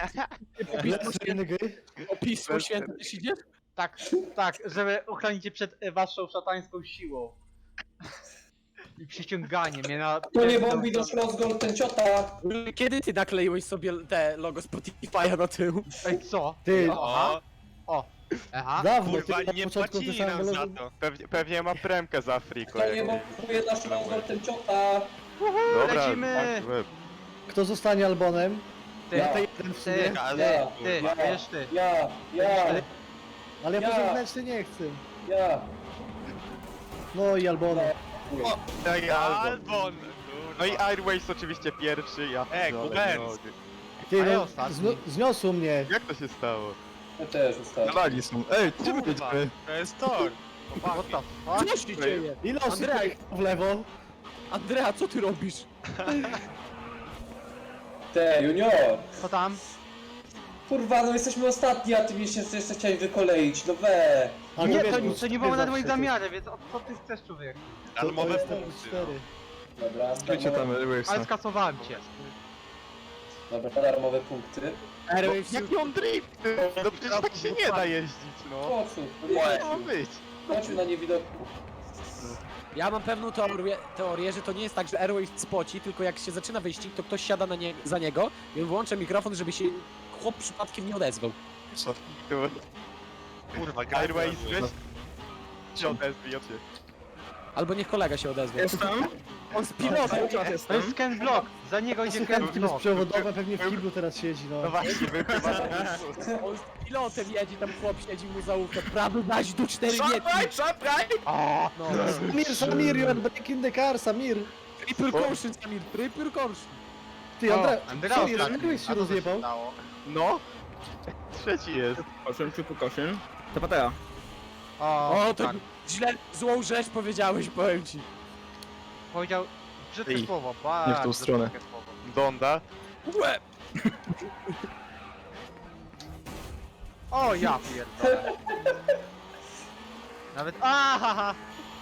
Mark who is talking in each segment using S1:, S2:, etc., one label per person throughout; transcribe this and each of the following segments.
S1: O Pismo Święte też idziesz?
S2: Tak, żeby uchronić cię przed waszą szatańską siłą. I przyciąganie mnie na...
S3: To nie bombi do Schlossgold, ten ciota!
S1: Kiedy ty nakleiłeś sobie te logo Spotify'a na tył?
S2: Ej, co?
S4: Ty,
S2: O! Aha.
S4: dawno,
S5: Kurwa,
S4: ty na
S5: nie
S4: początku
S5: płacili
S4: pisałem
S5: nam za
S4: logo.
S5: to.
S6: Pewnie ma premkę z Afriko.
S3: To nie bombuje na Schlossgold, ten ciota!
S6: Dobra,
S2: lecimy!
S6: tak, łeb.
S4: Kto zostanie Albonem?
S2: Ty,
S3: Ja.
S4: Jeden w
S2: ty,
S4: sumie.
S2: ty, wiesz ty.
S3: Ja!
S4: Ale ja
S3: Ja.
S4: po zewnętrzny nie chcę.
S3: Ja!
S4: No i Albona.
S6: Tak, Albon.
S5: Albon!
S6: No i Airways oczywiście pierwszy, ja pierdolę,
S5: Kubens.
S6: nie mogę.
S4: Ty,
S2: A ja
S4: no,
S2: ostatni.
S4: zniosło mnie.
S6: Jak to się stało?
S3: Ja też zostałem.
S7: Nalali są. Ej, gdzie my
S5: Kurwa,
S7: jedziemy?
S5: to jest tor!
S2: What the fuck?
S1: Co się dzieje?
S4: Ile osób
S1: Andrzej.
S4: pojechał w lewo?
S1: Andrea, co ty robisz?
S3: Te, junior!
S2: Co tam?
S3: Kurwa, no jesteśmy ostatni, a ty mnie jeszcze chciałeś wykoleić, no we!
S4: A
S2: Nie,
S4: wiesz,
S2: to
S4: bo
S2: nie było nawet moim
S4: zawsze
S2: zamiarem, więc co ty chcesz, człowiek?
S4: to
S5: Darmowe
S4: jest
S5: punkty. no.
S4: 4.
S3: Dobra,
S7: Skrócie tam Airwaysa.
S2: Ale skasowałem cię.
S3: Dobra, darmowe punkty.
S1: Airwaves
S6: Jaki on drift? No przecież tak się nie da jeździć, no.
S3: Po co?
S6: Co ma być?
S3: Chodźmy na niewidoku.
S1: Ja mam pewną teorię, że to nie jest tak, że Airwaves spoci, tylko jak się zaczyna wyścig, to ktoś siada za niego i on wyłącza mikrofon, żeby się chłop przypadkiem nie odezwał.
S5: Kurwa,
S6: Airways,
S5: gra.
S6: weź się odezwij od się.
S1: Albo niech kolega się odezwie.
S7: Jestem?
S1: On z pilotem.
S2: To jest Ken Block, za niego idzie Ken
S4: Słuchawki
S2: Block.
S4: bezprzewodowe pewnie w kiblu teraz siedzi, no.
S6: No właśnie, wy chyba...
S1: On z pilotem jedzie, tam chłop siedzi mu za łówkę. Prawy dać do 4 metrów. No.
S4: Samir, you are breaking the car, Samir.
S1: Triple caution, Samir, triple caution.
S4: Ty,
S2: Andrea
S4: Samir,
S2: ostatni.
S4: Andreas się
S2: A co
S4: rozjebał.
S2: stało?
S6: No. Trzeci jest.
S7: Koszyn, triple koszyn. To patera.
S1: O, to
S2: tak.
S1: źle, złą rzecz powiedziałeś, powiem ci.
S2: Powiedział brzydkie
S7: Ej,
S2: słowo,
S7: nie w tą
S2: bardzo
S7: stronę.
S2: brzydkie słowo.
S6: Donda.
S1: Łeb!
S2: O, ja pierdolę. Nawet... Ahaha!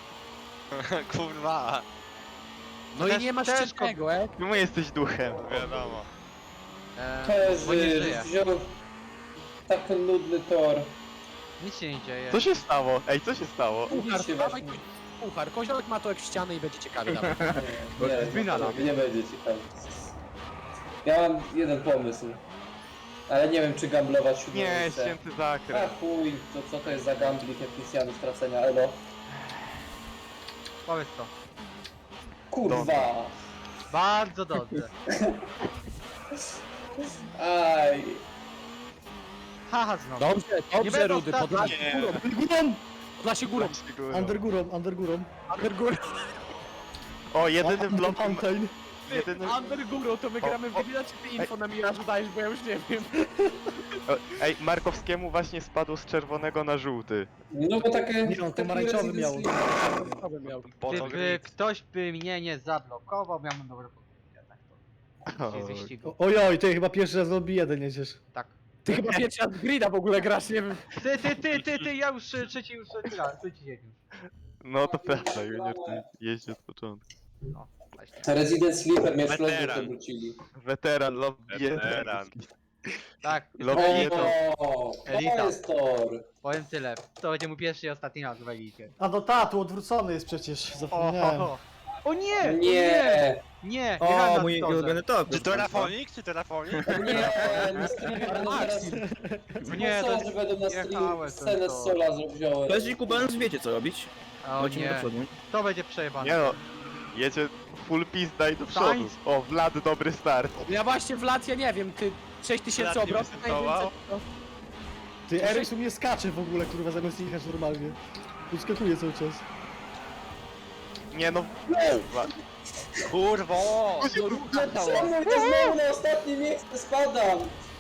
S5: Kurwa,
S1: No
S2: Też-
S1: i nie masz
S2: też
S1: ciężkiego,
S6: Czemu jesteś duchem?
S5: wiadomo.
S2: Bo nie
S3: Pezy,
S2: żyje.
S3: wziął tak nudny tor.
S2: Nic się nie dzieje.
S6: Co się stało? Ej, co się stało?
S1: Puchar,
S3: Nic się
S1: dawaj
S3: właśnie-
S1: puchar. Koziołek ma to jak ścianę i będzie ciekawy. Dawaj.
S3: Nie będzie ciekawe. Ja mam jeden pomysł. Ale nie wiem, czy gamblować siódme
S6: Nie,
S3: miejsce.
S6: święty
S3: A
S6: zakręt.
S3: chuj, to co to jest za gamblik Epicjanu stracenia, elo?
S2: Powiedz to.
S3: Kurwa!
S2: Bardzo dobrze.
S3: Aj!
S2: Haha, znowu.
S1: Dobrze,
S2: Nie
S1: dobrze,
S2: będę
S1: Rudy,
S2: ostatni.
S1: Podlasie
S5: Nie.
S1: górą,
S4: Górą!
S1: Podlasie górą.
S4: Under górą, under górą.
S1: Under górą.
S6: O, jedyny
S4: Under
S6: blok...
S4: mountain.
S6: Jedyny...
S1: Under górą, to my gramy w grilla, czy ty info na Mirażu dajesz, bo ja już nie wiem.
S6: O, ej, Markowskiemu właśnie spadł z czerwonego na żółty.
S3: No bo takie...
S4: Nie, on pomarańczowy miał.
S1: Co bym miał?
S2: Gdyby ktoś by mnie nie zablokował, miałbym dobre podwórkę. Tak to. Dzisiaj wyścigu.
S4: Ojoj, ty chyba pierwszy raz w lobby 1 jedziesz.
S2: Tak.
S1: Ty chyba pierwszy raz w grida w ogóle grasz, nie wiem.
S2: Ty, ja już trzeci dzień już.
S6: No to prawda, Junior ty jeździ od początku.
S2: No, właśnie.
S3: Resident Sleeper mnie
S5: Weteran.
S3: Schlossgold wrócili.
S6: Weteran, lobby
S5: Weteran.
S2: Tak,
S6: Lobby jeden.
S3: O,
S2: Elita.
S3: to jest tor!
S2: powiem tyle. To będzie mój pierwszy i ostatni raz w Elicie.
S4: A no ta, tu odwrócony jest przecież, zapomniałem.
S2: O nie!
S3: Nie!
S2: Nie!
S7: O,
S2: Jechałem
S7: mój
S2: na torze.
S7: ulubiony top.
S5: Czy to Rafonik? Czy to Rafonik?
S3: Nie! Streamy będą teraz...
S2: Nie, to
S3: Sponsorzy będą na
S2: jechałem
S3: stream scenę
S2: to.
S3: z Sola wziąłem.
S7: Leży Kubans, wiecie co robić.
S2: O
S7: Lecimy do
S2: nie,
S7: przodu.
S2: to będzie przejebane.
S6: Nie no, jedzie full pizda i do przodu.
S2: Sainz.
S6: O, Vlad, dobry start.
S1: Ja właśnie Vlad, ja nie wiem, ty 6000
S5: Vlad nie
S1: obrotów,
S5: wystartował?
S4: Ty, Eryk u mnie skacze w ogóle, kurwa, zamiast jechać normalnie. Uskakuje cały czas.
S6: Nie no,
S5: Kurwa!
S3: Czemu ja znowu na ostatnie miejsce spadam?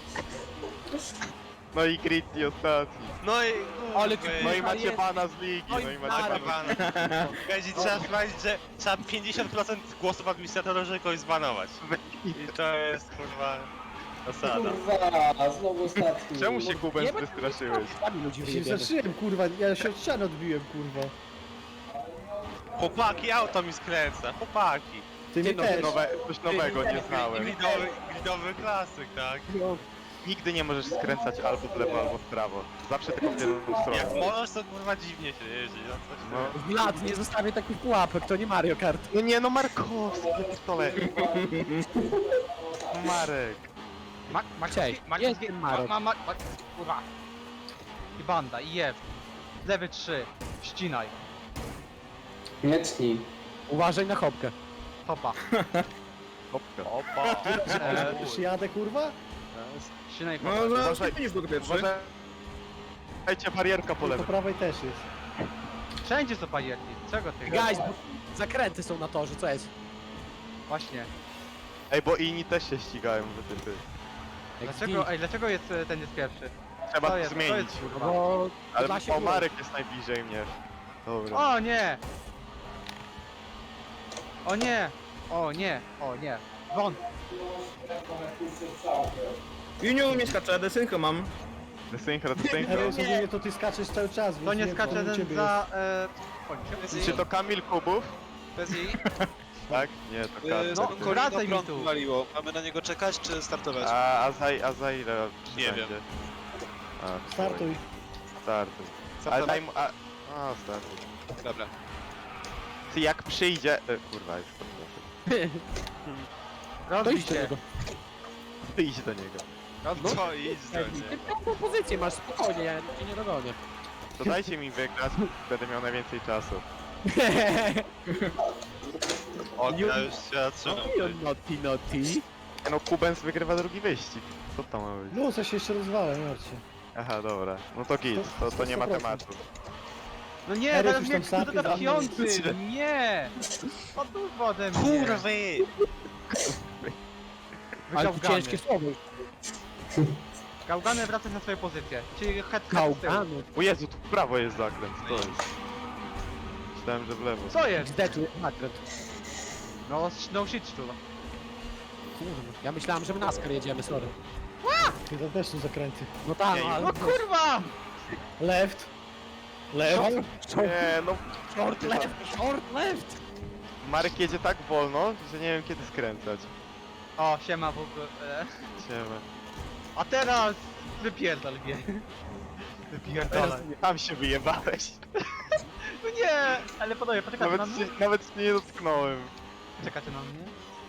S6: no i Gritty ostatni.
S5: No i...
S1: Ale ty-
S6: No i
S1: jest.
S6: macie bana z ligi,
S1: Oj,
S6: no i macie
S1: Mara.
S6: bana.
S5: Będzie trzeba sprawdzić, że trzeba 50% głosów administratora, żeby kogoś zbanować. I to jest kurwa... Zasada.
S3: Kurwa, znowu ostatni.
S6: Czemu się
S1: Nie
S6: Kubens
S1: będę-
S6: wystraszyłeś?
S1: Sami ludzi
S4: Się
S1: wyjebiemy.
S4: zacząłem, kurwa, ja się od ściany odbiłem, kurwa.
S5: Chłopaki, auto mi skręca, chłopaki.
S4: Ty mnie
S1: no,
S4: też.
S6: Coś nowego nie znałem.
S5: Gridowy klasyk, tak?
S6: nigdy nie możesz skręcać albo w lewo, albo w prawo. Zawsze tylko w jedną stronę.
S5: Jak możesz, to kurwa dziwnie się jeździ. No, coś
S6: No.
S1: Vlad, nie zostawię takich pułapek, to nie Mario Kart.
S6: No nie, no Markowski, pistole. Marek.
S1: Cześć, jestem Marek.
S2: Kurwa. I banda, i jeb. Lewy 3. Ścinaj.
S3: Nie tnij.
S1: Uważaj na chopkę.
S2: Hopa.
S6: Hopka.
S5: Opa.
S4: Już jadę, kurwa?
S2: Ścinaj
S7: No,
S2: hopa.
S7: no,
S6: Uważaj.
S7: ty już był pierwszy.
S6: Uważajcie, barierka po
S4: Po
S6: lewej.
S4: prawej też jest.
S2: Wszędzie są barierki. Czego ty?
S1: Guys, bo zakręty są na torze, co jest?
S2: Właśnie.
S6: Ej, bo inni też się ścigają, że ty.
S2: Dlaczego ten jest pierwszy?
S6: Trzeba
S2: Co
S6: to
S2: jest? Co
S6: zmienić.
S2: jest,
S1: No
S2: kurwa?
S1: bo
S6: Ale
S1: dla się
S6: o, Marek jest najbliżej mnie. Dobra.
S2: O nie! O nie! O nie! O nie! Won!
S7: Junior mnie skacze, desynchro mam.
S6: Desynchro.
S4: Eryk, ogólnie to ty skaczesz cały czas, więc
S2: To nie
S4: wiem,
S2: skacze
S4: co u
S2: ten
S4: ciebie
S2: za...
S4: jest.
S6: Czy to Kamil Kubów?
S8: Bez jej?
S6: Tak? Nie, to Kamil.
S2: No,
S8: Korino
S2: wracaj mi
S8: prąd
S2: tu.
S8: waliło. Mamy na niego czekać, czy startować?
S6: A za ile
S8: Nie wiem.
S6: będzie? A,
S4: Startuj.
S6: Startuj. Ale
S8: Startować?
S6: daj mu... A, startuj.
S8: Dobra.
S6: Ty jak przyjdzie... kurwa, już podnoszę.
S1: To
S2: Rozbij
S1: idź do
S2: się.
S1: niego.
S6: Ty idź do niego.
S5: No idź do
S1: Ty
S5: mnie.
S1: piątą pozycję masz, spokojnie, ja cię nie dogonię.
S6: To dajcie mi wygrać, będę miał najwięcej czasu.
S5: O, ja już się zatrzymam.
S1: Naughty, naughty.
S6: No Kubens wygrywa drugi wyścig. Co to ma być?
S4: No, coś się jeszcze rozwala, nie martw się.
S6: Aha, dobra. No to git, to nie ma
S4: 100%.
S6: tematu.
S2: No nie,
S4: Eryk
S2: teraz
S4: już
S2: mnie
S4: tam sapie,
S2: kurde
S4: za mną.
S2: piąty! Nie! Odłóż ode mnie!
S5: Kurwy!
S1: Ale to
S2: Gałgany.
S1: ciężkie słowo.
S2: Gałgany wracać na swoje pozycje. Czyli head z tyłu.
S1: Gałgany.
S6: O Jezu, tu w prawo jest zakręt, to jest. Myślałem, że w lewo.
S2: Co jest?
S1: XD tu jest nakręt.
S2: No shit tu.
S1: Kurwa, ja myślałem, że w NASCAR jedziemy, sorry.
S4: Ty to też są zakręty.
S1: No tak,
S6: Nie,
S1: no, ale...
S2: No kurwa!
S4: Left. Left.
S6: Nie, no
S1: Short left, short left!
S6: Marek jedzie tak wolno, że nie wiem kiedy skręcać.
S2: O, siema w ogóle.
S6: Siema.
S2: A teraz wypierdol mnie. Wypierdolaj.
S6: Tam się wyjebałeś.
S2: No nie! Ale panowie, poczekajcie na mnie.
S6: Nawet się nie dotknąłem.
S2: Czekacie na mnie?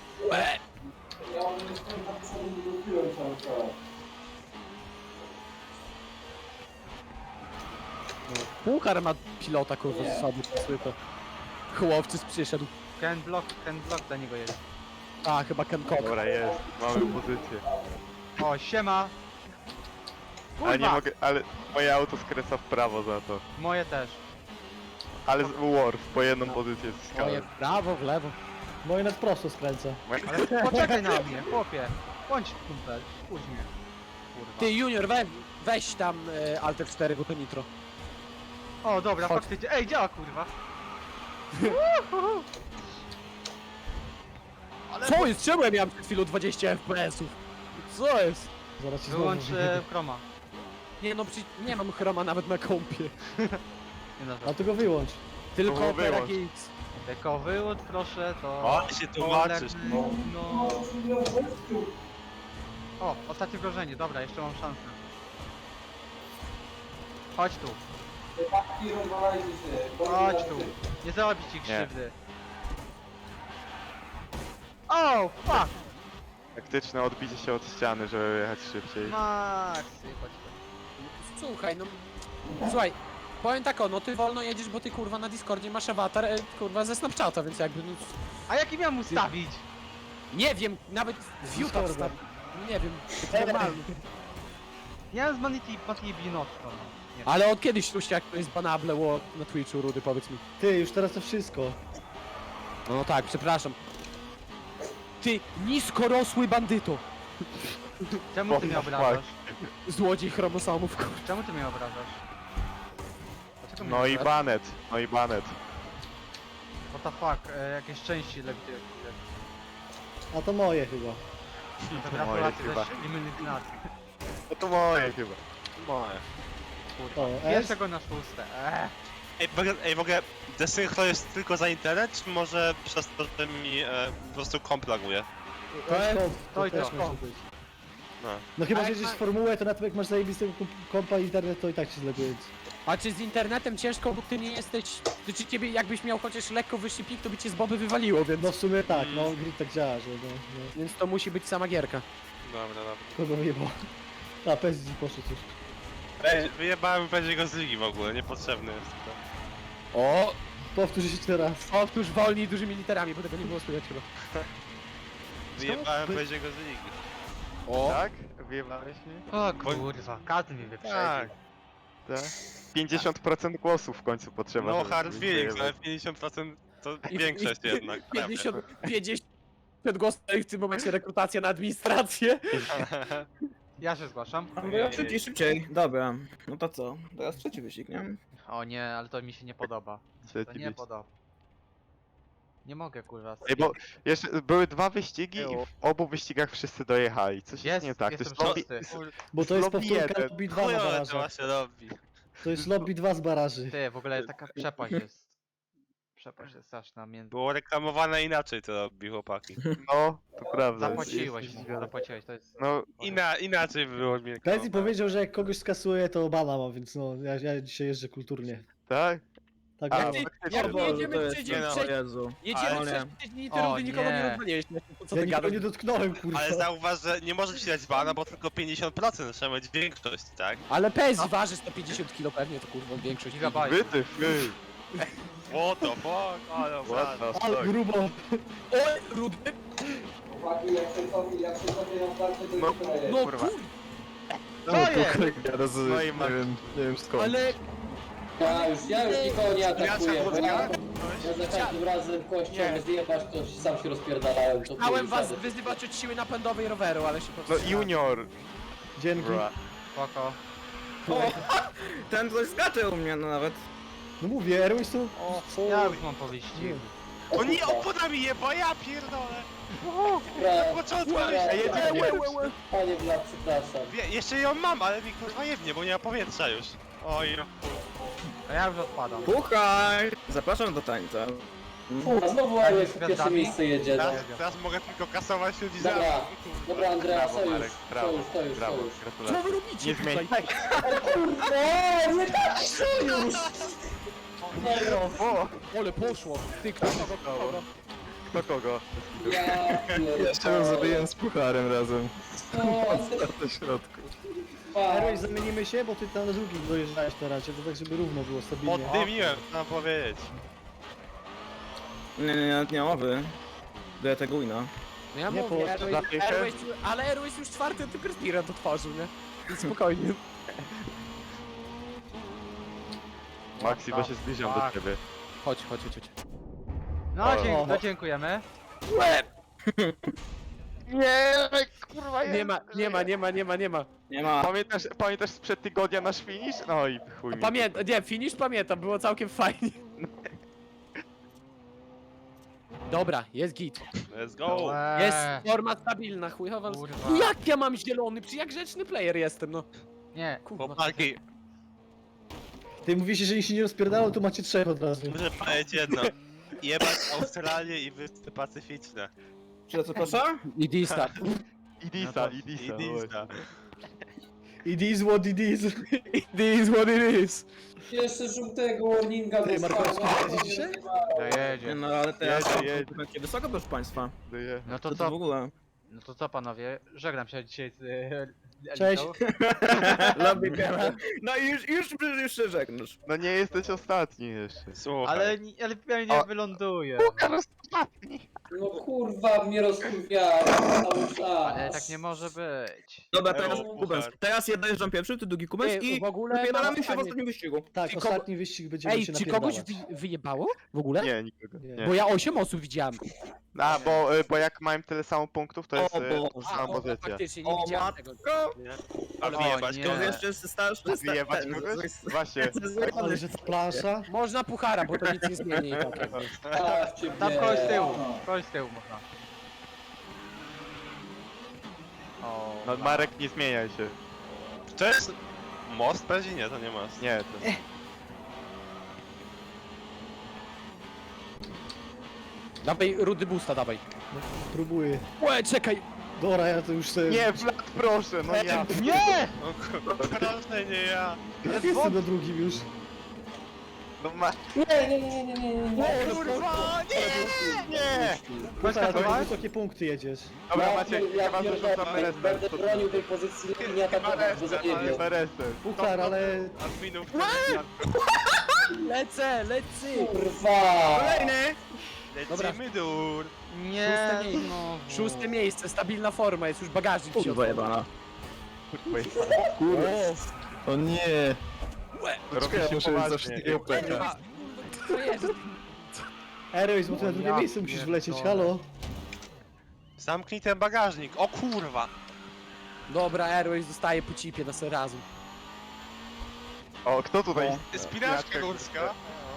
S1: Puchar ma pilota, kurwa, z sobą, to. Chłopcy przyszedł.
S2: Ten blok dla niego jest.
S1: A, chyba Ken Cock.
S6: Dobra, jest. Mamy pozycję.
S2: O, siema!
S6: Ale nie
S2: Kurwa!
S6: mogę, ale moje auto skręca w prawo za to.
S2: Moje też.
S6: Ale z Worf po jedną pozycję
S1: Moje
S6: zyskałem.
S1: w prawo, w lewo.
S4: Moje nad prosto skręca.
S2: Ale poczekaj na mnie, chłopie. Bądź kumpel, spójrz mnie. Kurwa.
S1: Ty, Junior, weź tam Alter 4, bo to nitro.
S2: O, dobra,
S1: Chodź.
S2: faktycznie. Ej, działa kurwa.
S1: Co jest? Czemu ja miałem przed chwilą 20 FPS-ów? Co jest?
S4: Zaraz ci znowu
S2: Wyłącz
S4: wyjebie.
S2: chroma.
S1: Nie no, nie mam chroma nawet na kompie.
S2: Nie na
S4: A ty go wyłącz.
S1: Tylko
S6: To
S1: Opera
S6: wyłącz.
S1: GX.
S2: Tylko wyłącz proszę, to...
S5: O, ty się tłumaczysz.
S2: No. O, ostatnie wrażenie, dobra, jeszcze mam szansę. Chodź tu, chodź tu. Nie zrobić ci krzywdy. O, fuck!
S6: Taktyczne odbicie się od ściany, żeby jechać szybciej.
S2: Maxy, chodź tu.
S1: Słuchaj, no... Słuchaj, powiem tak o, no ty wolno jedziesz, bo ty kurwa na Discordzie masz awatar, kurwa ze Snapchata, więc jakby no...
S2: A jaki miałem ustawić?
S1: Nie wiem, nawet viewta
S4: Discorda.
S1: wstaw... Nie wiem, to normalnie.
S2: Ja z Manity Binotto. Nie.
S1: Ale od kiedyś słyszę, jak to jest banable na Twitchu, Rudy, powiedz mi.
S4: Ty, już teraz to wszystko.
S1: No tak, przepraszam. Ty, niskorosły bandyto!
S2: Czemu ty mnie
S6: What the
S2: obrażasz?
S1: Złodziej chromosomów, kurwa.
S2: Czemu ty mnie obrażasz? Dlaczego mnie
S6: No i
S2: obrażasz?
S6: banet, no i banet.
S2: What the fuck, jakieś części lewitują.
S4: A to moje chyba.
S2: Gratulacje
S6: chyba.
S2: też eliminacji.
S6: No to moje chyba.
S5: Moje.
S4: O, S.
S2: Pierwszego na szóste.
S5: Ej, w ogóle desynchro jest tylko za internet, czy może przez to, że mi po prostu komp laguje?
S4: To jest komp,
S2: to i
S4: też
S2: to.
S4: może być. No chyba,
S1: A
S4: że
S1: jak
S4: jedziesz
S1: ma-
S4: w formułę, to nawet jak masz zajebistego kompa i internet, to i tak się zleguje.
S1: A czy z internetem ciężko, bo ty nie jesteś... Czy ciebie jakbyś miał chociaż lekko wyższy pik, to by cię z boby wywaliło, więc...
S4: No w sumie tak, no grid tak działa, że no.
S1: Więc to musi być sama gierka.
S5: Dobra.
S4: Kogo wyjebał? A, PSG poszedł już.
S5: Wyjebałem będzie go z ligi w ogóle, niepotrzebny jest to.
S1: O!
S4: Powtórz jeszcze raz.
S1: Powtórz wolniej dużymi literami, bo tego nie było słychać chyba.
S5: Wyjebałem będzie go z ligi.
S1: O!
S6: Tak? Wyjebałeś mnie?
S2: O kurwa, każdy mnie wyprzedził.
S5: Tak.
S6: Tak. 50% głosów w końcu potrzeba.
S5: No
S6: żeby
S5: hard
S6: być
S5: feelings, ale
S6: wyjebać.
S5: 50% to
S1: I-
S5: większość
S1: i-
S5: jednak.
S1: 50 głosów i w tym momencie rekrutacja na administrację.
S2: Ja się zgłaszam.
S7: Szybciej. Dobra. No to co? Teraz trzeci wyścig, nie?
S2: O nie, ale to mi się nie podoba. To
S6: Trzeci
S2: nie
S6: wyścig.
S2: podoba. Nie mogę kurwa.
S6: Ej, bo jeszcze były 2 wyścigi i w obu wyścigach wszyscy dojechali. Coś jest
S2: Jest,
S6: nie tak.
S2: jestem
S6: To jest
S2: szósty.
S4: Bo to jest
S6: lobby
S4: powtórka
S6: jeden.
S4: lobby 2 na
S5: Chujowe to
S4: barażach.
S5: właśnie robi.
S4: To jest lobby 2 z baraży.
S2: Ty, w ogóle taka przepaść jest. Przepaść jest straszna między...
S5: Było reklamowane inaczej to robi chłopaki.
S6: No, to prawda.
S2: Zapłaciłeś,
S6: jest źle.
S2: zapłaciłeś, to jest...
S6: No,
S5: Inaczej było mi
S4: PSG
S5: reklamowane.
S4: powiedział, że jak kogoś skasuje, to bana ma, więc no, ja dzisiaj jeżdżę kulturnie.
S6: tak?
S4: Tak,
S6: A,
S4: no.
S1: Jak nie jedziemy
S7: to jest
S1: przecież,
S5: nie no.
S7: o Jezu.
S1: jedziemy
S7: Ale
S1: przecież
S7: nie.
S1: 5 dni,
S2: O,
S1: te rundy nikogo nie
S2: nie.
S1: rozwaliłeś. Co ty
S4: Ja nikogo
S1: gadasz?
S4: nie dotknąłem, kurwa.
S5: Ale zauważ, że nie może ci dać bana, bo tylko 50% trzeba mieć większość, tak?
S1: Ale PSG waży 150 kg pewnie, to kurwa większość.
S2: Gigabajt.
S6: Wytyf,
S5: What the fuck? Ale
S6: What the
S4: Ale
S6: fuck?
S4: grubo.
S1: O, rudy!
S3: Chłopaki, jak się cofnie na starcie, to
S6: No,
S3: już daje.
S1: No
S6: kurwa.
S1: kur...
S6: No i ma...
S1: Ale...
S3: Ja już nikogo nie atakuję, bo ja
S5: Ktoś?
S3: za każdym razem kością
S1: Nie.
S3: zjebać, to sam się rozpierdalałem. To
S1: Chciałem
S3: chuj,
S1: was
S3: żaden.
S1: wyzywać od siły napędowej roweru, ale się
S6: No
S1: powstrzymałem.
S6: junior.
S4: Dzięki.
S6: Bra.
S2: Spoko.
S7: Ten coś skacze u mnie no nawet.
S4: No mówię, Airways to...
S2: Ja już mam po wyścigu.
S3: O
S5: To nie
S3: kurwa,
S5: opona mi jeba, ja pierdolę!
S3: pra-
S5: Na początku,
S3: pra-
S5: ale
S3: Panie Bla, przepraszam.
S5: jeszcze ją mam, ale mi kurwa jebnie, bo nie ma powietrza już. Oj, no.
S2: A ja już odpadam.
S7: Puchaj! Zapraszam do tańca.
S3: Kurwa, znowu Airways w pierwsze
S2: gwiazdami?
S3: miejsce jedzie, no.
S5: Teraz mogę tylko kasować ludzi za...
S3: Dobra, dobra Andrea,
S6: Brawo,
S3: sojusz,
S6: Marek, brawo,
S3: sojusz.
S6: brawo,
S1: Co
S6: gratulacje.
S1: wy robicie
S6: Nie zmień.
S1: tutaj?
S3: O, nie tak sojusz!
S6: O,
S1: Ole, poszło. Ty, kto kogo?
S6: kto kogo?
S3: Ja pierdolę.
S6: z pucharem razem.
S3: O,
S6: Na środku.
S4: Airways zamienimy się, bo ty tam na drugim dojeżdżałeś teraz, to tak żeby równo było stabilnie.
S5: Poddymiłem, mam powiedzieć.
S7: Nie mowy. Do tego wina.
S1: No ja
S4: Nie,
S1: mówię,
S4: po-
S1: Airways, ale Airways już czwarty tylko respirant otworzył, nie? Więc spokojnie.
S6: Maxi, bo się zbliżam do ciebie.
S1: Chodź.
S2: No,
S4: O.
S2: no dziękujemy.
S6: Nie, kurwa
S1: Nie ma.
S7: Nie ma.
S6: Pamiętasz sprzed tygodnia nasz finish? No i chuj mi.
S1: Finish pamiętam, było całkiem fajnie. Dobra, jest git.
S5: Let's go!
S1: Jest forma stabilna, chujowa.
S2: Kurwa.
S1: Jak ja mam zielony? Przecież jak grzeczny player jestem, no.
S2: Nie.
S1: Kurwa.
S5: Chłopaki,
S4: Ty mówisz, że jeśli się nie rozpierdało, to macie 3 od razu.
S5: muszę powiedzieć jedno. Jebać Australię i Wyspy Pacyficzne.
S7: Czy co proszę?
S1: I D-Star.
S6: Idisa.
S5: Idista.
S4: It is what it is.
S1: It is what it is.
S3: Jeszcze żółtego warninga
S4: Ty, Markowski,
S3: dostałem.
S4: jedzie dzisiaj?
S2: Jedzie.
S7: No ale teraz
S6: Jedzie.
S7: będzie wysoko, proszę państwa.
S2: No
S7: To
S2: to
S7: co w
S2: co?
S7: ogóle?
S2: No to co panowie? Żegnam się dzisiaj z
S4: Cześć.
S2: Elitą.
S7: Lobby Gala. No i już się żegnasz.
S6: No nie jesteś ostatni jeszcze.
S5: Słuchaj.
S2: Ale pewnie nie wyląduje.
S3: No kurwa, mnie rozkurwiała. cały czas.
S2: Ale tak nie może być.
S7: Dobra,
S5: Ewo,
S7: teraz
S5: puchar.
S7: Kubens. Teraz ja dojeżdżam pierwszy, ty drugi Kubens
S1: Ej,
S7: i
S1: w ogóle
S7: wypierdalamy
S1: mam
S7: się w
S1: pytanie.
S7: ostatnim wyścigu.
S4: Tak,
S1: Czy kogo-
S4: ostatni wyścig będziemy
S1: Ej,
S4: się
S1: czy kogoś
S4: napierdalać.
S1: wyjebało? W ogóle?
S6: Nie, nikogo.
S4: Nie.
S1: Bo ja 8 osób widziałem.
S6: A, bo jak mają tyle samo punktów, to jest
S7: O Boże.
S6: sama pozycja.
S1: Faktycznie, nie
S7: O
S1: widziałem tego.
S7: matko!
S5: A wyjebać
S2: nie.
S5: go?
S7: To jeszcze jest starszy.
S6: Wyjebać kogoś? Właśnie.
S4: Ale że ta plansza?
S1: Można puchara, bo to nic nie zmieni i tak. jakby.
S3: Stawcie
S2: Tam
S3: mnie.
S2: kogoś z tyłu. Kogoś z tyłu można. O,
S6: No Marek, nie zmieniaj się.
S5: To jest most? Pewnie nie, to nie most.
S6: Nie, to...
S1: Dawaj rudy boosta, dawaj.
S4: Próbuję.
S1: Łe, czekaj.
S4: Dobra, ja to już sobie...
S6: Nie, Vlad, proszę, no ja.
S2: Nie!
S5: O kurwa, proszę, nie ja.
S4: Jestem na drugim już.
S6: No ma...
S4: O,
S6: kurwa, nie!
S4: Kurwa, to wysokie punkty jedziesz.
S6: Dobra, Maciek,
S3: ja
S6: chyba zarzucam
S3: pierdolę, będę bronił tej pozycji, nie atakować, bo zajebie.
S6: Beresem.
S4: Puchar, ale...
S5: Adminów
S1: Lecę, lecę!
S3: Kurwa!
S7: Kolejny!
S5: lecimy dur.
S2: Nie,
S1: Szóste miejsce.
S2: no.
S1: Szóste miejsce, stabilna forma, jest już bagażnik w środku.
S7: jebana.
S6: Kurwa,
S7: O nie!
S6: robi się poważnie.
S1: Kurwa, co jest?
S4: Airways, bo ty na drugie
S2: Ja
S4: miejsce musisz
S2: pierdolę.
S4: wlecieć, halo?
S5: Zamknij ten bagażnik, o kurwa.
S1: Dobra, Airways dostaje po cipie na serazum.
S6: O, kto tutaj?
S5: Spinaczka górska.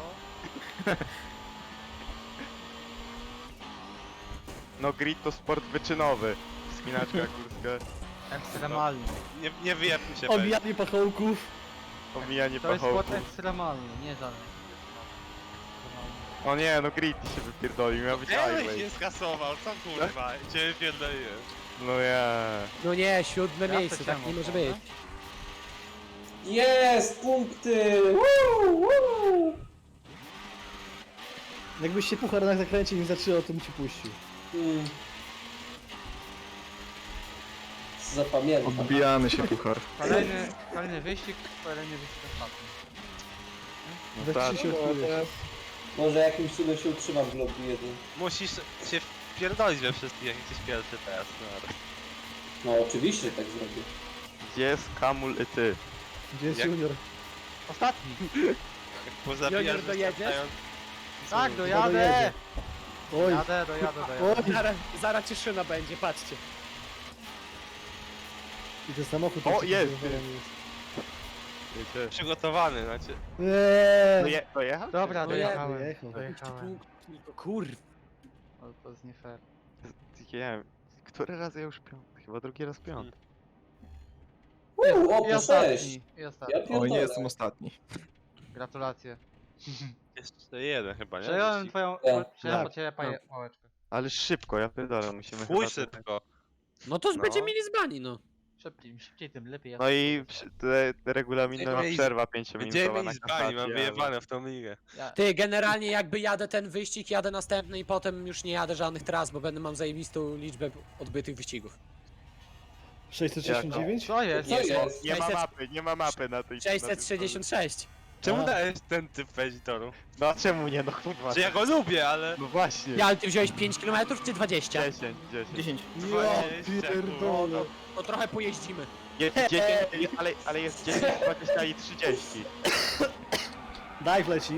S6: No grid to sport wyczynowy. Spinaczka górska,
S2: Ekstremalny.
S5: Nie wyjebmy się, weź.
S4: Omijanie pachołków.
S6: omijanie
S2: To jest sport
S6: pachołków.
S2: ekstremalny, nie żaden.
S6: O nie, no grid się wypierdolił, miał być
S5: Eryk
S6: highway.
S5: się skasował, co kurwa, cię pierdoliłem.
S6: No ja.
S1: No nie, siódme
S2: Ja
S1: miejsce,
S2: to
S1: tak
S2: cię
S1: nie może
S2: mogę.
S1: być.
S3: Jest! Punkty! Woo, woo.
S4: Jakbyś się puchar na zakręcie nie zatrzymał, to bym ci puścił.
S3: Zapamiętam.
S7: Odbijamy się, puchar.
S2: Kolejny wyścig ostatni.
S6: No
S4: We
S6: tak.
S4: 3 się odkryjesz.
S3: Może jakimś cudem się utrzymam w lobby jeden.
S5: Musisz się wpierdolić we wszystkich, jak jesteś pierwszy teraz. No.
S3: No oczywiście tak zrobię.
S6: Gdzie jest Kamul i ty?
S4: Gdzie jest
S5: Jak-
S4: Junior?
S2: Ostatni!
S5: Jak pozabijasz
S1: Junior, dojedziesz?
S5: wystarczająco-
S2: Tak,
S4: dojedzie.
S2: dojadę!
S4: Oj,
S2: Dojadę.
S4: oj.
S1: Zaraz cieszyna będzie, patrzcie.
S4: I ten samochód...
S6: O,
S4: taki
S6: jest.
S4: zadowolony jest.
S6: Wiecie.
S5: Przygotowany, znaczy.
S6: Dojechał?
S2: Dobra,
S1: No
S2: dojechałem.
S4: Dojechał.
S2: Dojechałem.
S1: Kurwa.
S2: Ale to jest nie fair.
S6: Nie wiem, który raz ja już piąty? Chyba drugi raz piąty.
S3: O,
S2: I
S3: po 6!
S2: ostatni. I
S3: Ja
S2: ostatni.
S7: O, nie
S3: pierdolę.
S7: jestem ostatni.
S2: Gratulacje.
S5: Jeszcze jeden chyba, nie?
S2: Przejąłem
S5: Wyścig.
S2: twoją...
S3: Tak.
S2: Przejąłem po ciebie pałeczkę.
S6: Ale szybko, ja pierdolę, musimy
S5: Chuj
S6: chyba...
S5: szybko.
S1: No to już
S5: No.
S1: będzie mini zbani, no.
S2: Szybciej tym lepiej.
S6: No i regulaminowa
S5: Gdzie
S6: przerwa
S5: Gdzie
S6: 5-minutowa
S5: mi
S6: na
S5: zbani, mam
S6: kasację.
S5: wyjebane w tą ligę.
S1: Ty, generalnie jakby jadę ten wyścig, jadę następny i potem już nie jadę żadnych tras, bo mam zajebistą liczbę odbytych wyścigów.
S4: 669?
S2: Co jest?
S3: Co jest?
S6: Nie ma
S1: 600
S6: mapy, nie ma mapy na tej...
S1: 666.
S5: Czemu
S4: A.
S5: dałeś ten typ w editoru?
S6: No a czemu nie, no kurwa.
S5: Że ja go lubię, ale...
S6: No właśnie.
S1: Ja, ale ty wziąłeś 5 km czy 20?
S6: 10.
S7: 10.
S4: Ja
S5: 20,
S4: pierdolę.
S1: To trochę pojeździmy.
S6: Jest 10, ale jest 10, 20 i 30.
S4: Daj wleci.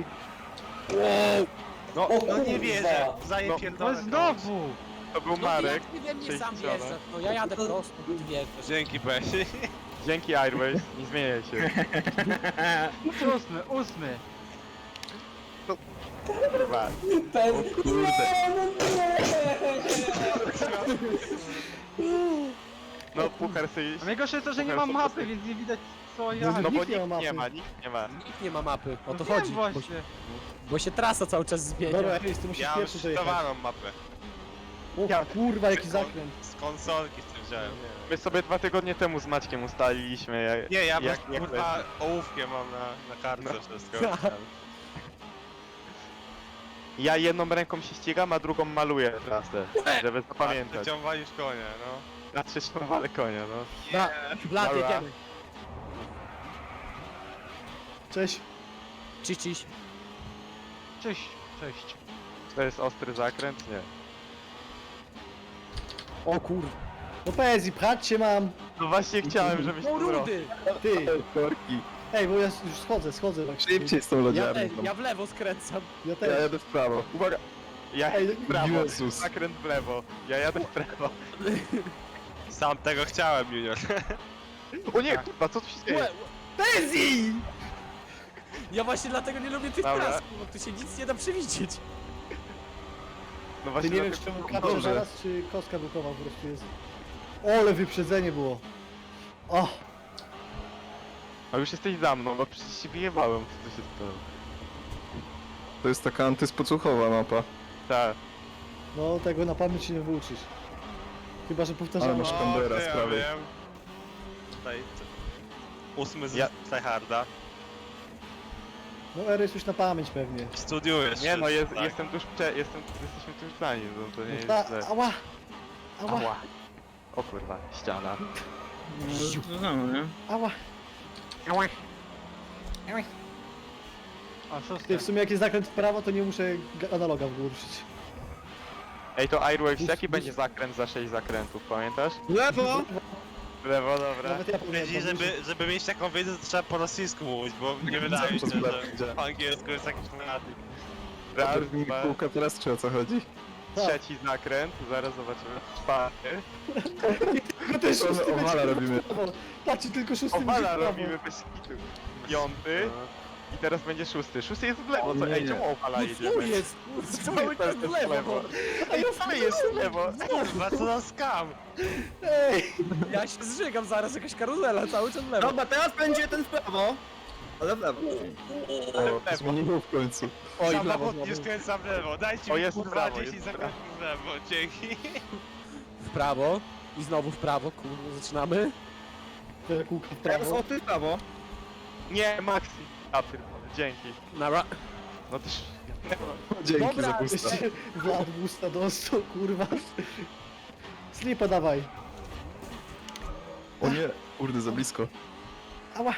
S5: No,
S3: O
S5: no nie
S3: kurwa.
S5: wierzę,
S6: No,
S5: zaję
S2: No
S5: pierdolę.
S2: znowu!
S6: To był
S1: No
S6: Marek.
S1: ty we mnie sam
S6: 60.
S1: wjeżdżasz, no ja jadę prosto, ty wjeżdżasz.
S5: Dzięki, Besi.
S6: Dzięki Airways, nie zmieniaj się.
S2: Ósmy!
S6: Kurwa.
S3: Ten...
S7: O kurde.
S6: No puchar sobie...
S2: A najgorsze jest to, że nie mam mapy, więc nie widać co ja...
S6: No bo
S4: Nikt nie ma
S6: nikt
S4: mapy.
S6: nie ma, nikt nie ma.
S1: Nikt nie ma mapy, o to
S2: Wiem
S1: chodzi.
S2: właśnie.
S1: Bo się trasa cały czas zmienia.
S4: Dobra, Airways, ty musisz
S5: Ja mam
S4: pierwszy dojechać.
S5: szczytowaną mapę.
S4: O kurwa, jaki zakręt.
S5: Z konsolki z tym wziąłem.
S6: My sobie 2 tygodnie temu z Maćkiem ustaliliśmy,
S5: Nie, ja
S6: jak
S5: kurwa ołówkiem mam na kartce
S6: No.
S5: wszystko.
S6: Ja jedną ręką się ścigam, a drugą maluję trasę, żeby zapamiętać.
S5: Ciąwalisz konia, no.
S6: Na trzecią walę konia, no.
S1: Blat,
S6: Dobra.
S1: jedziemy.
S4: Cześć.
S1: Ciś, ciś.
S2: Cześć, cześć.
S6: To jest ostry zakręt? Nie.
S1: O kurwa.
S4: No Pezzi, pchać cię mam.
S6: No właśnie chciałem, żebyś
S1: O
S6: to zrobił.
S1: rudy!
S4: Ty.
S7: Korki.
S4: Ej, bo ja już schodzę.
S7: Szybciej z tą
S1: Ja,
S7: lodziarnią.
S1: ja w lewo skręcam.
S4: Ja
S7: Ja
S4: też.
S7: jadę w prawo. Uwaga.
S6: Ja
S4: Ej,
S6: jadę w prawo,
S7: Jezus.
S6: zakręt w lewo. Ja jadę w prawo.
S5: Sam tego chciałem, Junior.
S6: O nie, kurwa, co tu się dzieje?
S1: Pezzi! Ja właśnie dlatego nie lubię tych
S6: Dobra.
S1: tras, bo tu się nic nie da przewidzieć.
S6: No
S4: Ty
S6: właśnie
S4: nie wiesz,
S6: dlatego-
S4: czemu kapcia
S7: Dobrze.
S4: zaraz, czy kostka bukowa po prostu jest. Ole wyprzedzenie było. O,
S6: A już jesteś za mną, no przecież się wyjebałem, co tu się stało.
S7: To jest taka antyspocuchowa mapa.
S6: Tak.
S4: no tego na pamięć się nie wyuczysz. Chyba, że powtarzamy.
S6: masz
S5: O,
S6: Kambera
S5: ty,
S6: z
S5: ja
S6: prawej.
S5: wiem. Tutaj, 8 z
S6: Ja-
S5: Tryharda.
S4: No Ery już na pamięć pewnie.
S5: Studiujesz
S6: Nie no,
S5: wszystko, tak?
S6: jestem tuż jesteśmy tuż za nim, no to nie jest
S4: Ta,
S6: źle.
S4: ała! Ała!
S6: Ała. O kurwa, ściana.
S7: No samo, nie?
S4: Ała!
S2: O, szósty.
S4: Ty, w sumie jak jest zakręt w prawo, to nie muszę analoga w górę ruszyć.
S6: Ej, to Airwaves,
S4: Bus-
S6: jaki
S4: bus-
S6: będzie zakręt za 6 zakrętów, pamiętasz?
S7: Lewo!
S6: W lewo, dobra.
S4: Nawet ja
S5: Wiedzi,
S4: pamiętam.
S5: żeby mieć taką wiedzę, to trzeba po rosyjsku mówić, bo nie wydaje mi się, że po angielsku jest jakiś radyk.
S6: Raz,
S9: Mi
S6: dwa,
S9: kółka teraz czy o co chodzi?
S6: trzeci zakręt, zaraz zobaczymy. Czwarty.
S4: No też
S9: To
S4: szósty
S9: owala
S4: będzie
S9: robimy.
S4: prawo. Patrzcie, tylko szósty będzie
S6: Owala
S4: prawo.
S6: robimy bez kitu. Piąty. I teraz będzie szósty. Szósty jest w lewo, co?
S9: Nie,
S6: Ej,
S9: nie.
S6: czemu owala
S1: No
S6: jedziemy?
S1: tu jest, kurwa, cały czas w lewo. No.
S6: Ej, wcale jest w lewo.
S5: Kurwa, co za skam!
S4: Ej!
S1: Ja się zżygam zaraz, jakaś karuzela, cały czas w lewo.
S7: Dobra, teraz będzie ten w prawo. Ale w lewo.
S9: O, zmieniło w końcu.
S1: Oj, w lewo
S5: Samochód
S1: znowu.
S5: nie skręca w lewo, dajcie
S6: O,
S5: mi
S6: jest w
S5: kurwa
S6: prawo,
S5: 10
S6: jest w
S5: zakrętów w lewo, dzięki.
S1: W prawo. I znowu w prawo, kurwa, zaczynamy.
S4: Te kółka w
S7: Teraz
S4: prawo.
S7: o ty w prawo.
S6: Nie, Maxi. A pierdolę, dzięki.
S1: Nara.
S6: No też...
S9: Dzięki
S1: Dobra,
S9: za pusta.
S4: Jeszcze Vlad busta dostał, kurwa. Slipa dawaj.
S9: O nie, kurde, za blisko.
S4: Ała!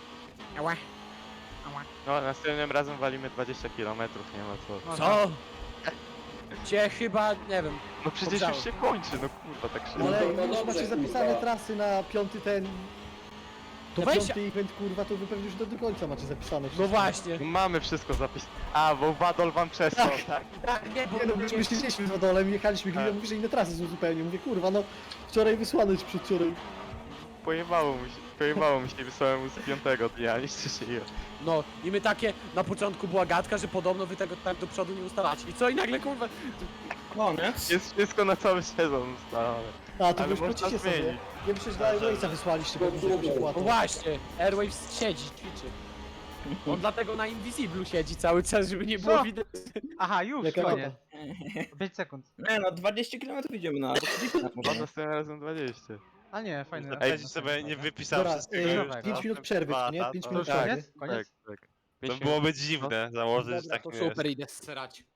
S6: No, następnym razem walimy 20 km, nie ma co.
S1: Co? Cię chyba, nie wiem.
S6: No przecież
S1: Dobrze.
S6: już się kończy, no kurwa, tak szybko.
S4: Ale
S3: to
S4: już
S3: dobrze,
S4: macie
S3: kurwa.
S4: zapisane trasy na piąty ten...
S1: To
S4: na
S1: weź-
S4: piąty event, kurwa, to wy pewnie już do końca macie zapisane
S1: No
S4: wszystko.
S1: właśnie.
S6: Mamy wszystko zapisane. A, bo Wadol wam przesłał, tak?
S1: Tak, nie, bo
S4: Nie no, myśmy siedzieliśmy z Wadolem, jechaliśmy chwilę,
S6: Tak.
S4: mówi, że inne trasy są zupełnie. Mówię, kurwa, no wczoraj wysłane czy przedwczoraj.
S6: Pojebało mi się i wysłałem mu z 5 dnia, nie się je.
S1: No i my takie, na początku była gadka, że podobno wy tego tak do przodu nie ustalacie. I co? I nagle kurwa...
S7: Koniec.
S6: Jest wszystko na cały sezon ustalone.
S4: A, to
S6: Ale
S4: wy już
S6: można
S4: płacicie sobie.
S6: zmienić.
S4: Nie przecież dla Airwaysa wysłaliście, bo już jakąś
S1: No
S4: opłatę.
S1: właśnie, Airwaves siedzi, ćwiczy. On dlatego na Invisiblu siedzi cały czas, żeby nie było
S2: Co?
S1: widać.
S2: Aha, już,
S4: Jaka
S2: koniec.
S4: rota?
S2: 5 sekund.
S7: Nie no, 20 km idziemy na...
S6: No następnym razem 20.
S2: A nie, fajny.
S5: Ej,
S2: fajny
S5: sobie nie
S2: fajny.
S5: wypisał
S4: Dobra,
S5: wszystkiego już.
S4: 5 minut przerwy, nie? 5 minut
S2: Już
S4: przerwy.
S2: koniec? Koniec?
S6: Tak, tak.
S5: To
S6: Pięć
S5: byłoby dziwne założyć
S1: Dobra,
S5: tak
S1: to
S5: wiesz.
S1: super, idę srać.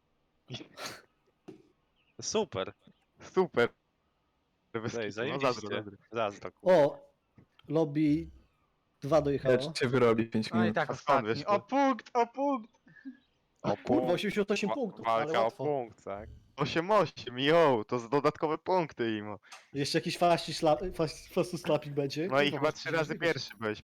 S5: Super.
S6: Super. Bez
S5: Ej,
S6: kitu, no
S5: zajebiście.
S6: zazdro.
S5: Zazdro.
S4: O! Lobby 2 dojechało.
S9: Lecz cię wyrobi 5
S2: No i
S9: minut.
S2: tak
S6: A skąd
S2: ostatni.
S6: wiesz
S2: O
S6: to?
S2: punkt, o punkt!
S6: O
S4: Kurwa, 88 punktów, ale
S6: Walka o
S4: łatwo.
S6: punkt, tak? 8-8, jo, to z dodatkowe punkty imo.
S4: Jeszcze jakiś fasty slapik będzie.
S6: No i
S4: Kurwa,
S6: chyba 3 razy pierwszy byłeś.